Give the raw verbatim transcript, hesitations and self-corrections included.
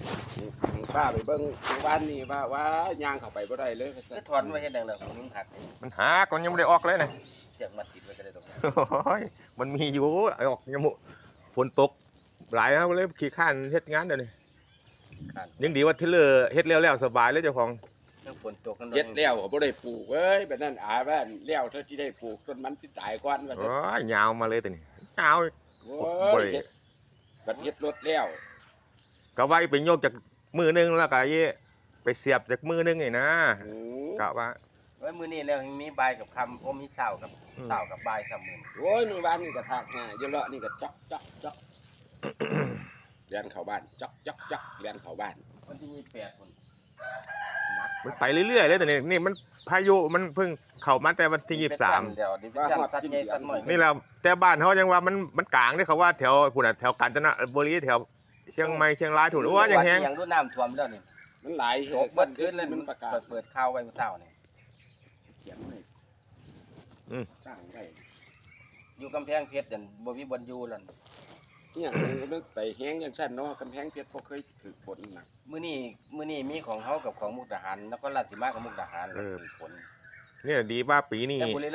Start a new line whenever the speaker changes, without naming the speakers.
ป้าไปเบิ่งบ้านนี่ว่าว่าย่างเข้าไปบ่ได้เลย
ก็ถอนไว้เฮ็ดจังได๋ของมึงหัก
มันหาก่อนยังไม่ได้ออกเลยนะ
เชือกมัดติดไว้ก็ได้ตรงนั้น
โอ้ยมันมีอยู่ไอ้ออกยังมุฝนตกหลายนะเลยขี้ข้านเฮ็ดงานเดี๋ยวนี้
คัน
ยังดีว่าเทเลอร์เฮ็ดแล้วๆสบายเลยเจ้าของ
เรื่องฝนตกกัน
เฮ็ดแล้วก็บ่ได้ปลูกเอ้ยแบบนั้นอาว่าแล้วเท่าที่ได้ปลูกต้นมันสิตายก่อนว่า
โอ้ยยาวมาเลยตัวนี้ยาว
โอ้ยเฮ็ดบัดเฮ็ดรถแล้ว
ก็ไว้ไปโยกจากมือนึงแล้วก็ยี่ไปเสียบจากมือนึงไงนะ
โอ้
กะว่า
ไว้มื้อนี้แล้วยังมีบ่ายกับค่ำโอ้มีเช้ากับ
อืม
เช้ากับบ่ายซ้ำมื้อ
โอ้ยมื้อวานนี่ก็ทากหน้าอยู่เลาะนี่ก็จ๊อกจ๊อกจ๊อกเรียนเข้าบ้านจ๊อกจ๊อกจ๊อกเรียนเข้าบ้าน
วันที่ยี่สิบแปดพุ่นนัก
มันไปเรื่อยๆเลยแต่นี่นี่มันพายุมันเพิ่งเข้ามาแต่วันที่ยี่สิบสาม
เดี๋ยวดิวิชั่นสัตว์ใหญ่สัตว์น้อย
นี่แหละแต่บ้านเขายังว่ามันมันกลางนี่เขาว่าแถวพุ่นน่ะแถวกาญจนบุรีแถวเชียงใหม่เชียงรายถูกหรือว่าอย่างแฮง
ยังดูน้ำท่วมแล้วนี่
มันหลาย
ตกเบิดขึ้นเลย
มันประกาศ
เปิดเปิดข่าวไว้เมื่อเช้านี่
เขียนไว้
อืม
ตั้งไว้
อยู่กำแพงเพชรนั่นบ่มีบ่อนอยู่แล้ว
เนี่ยมันไปแห้งจังซั่นเนาะกำแพงเพชรบ่เคยถูกฝนหนัก
มื้อนี้มื้อนี้มีของเฮากับของมุกดาหารแล้วก็ราชสีมากับมุกดาหารแล้วมีฝน
เนี่ยดีว่าปีนี้
แต่บุรี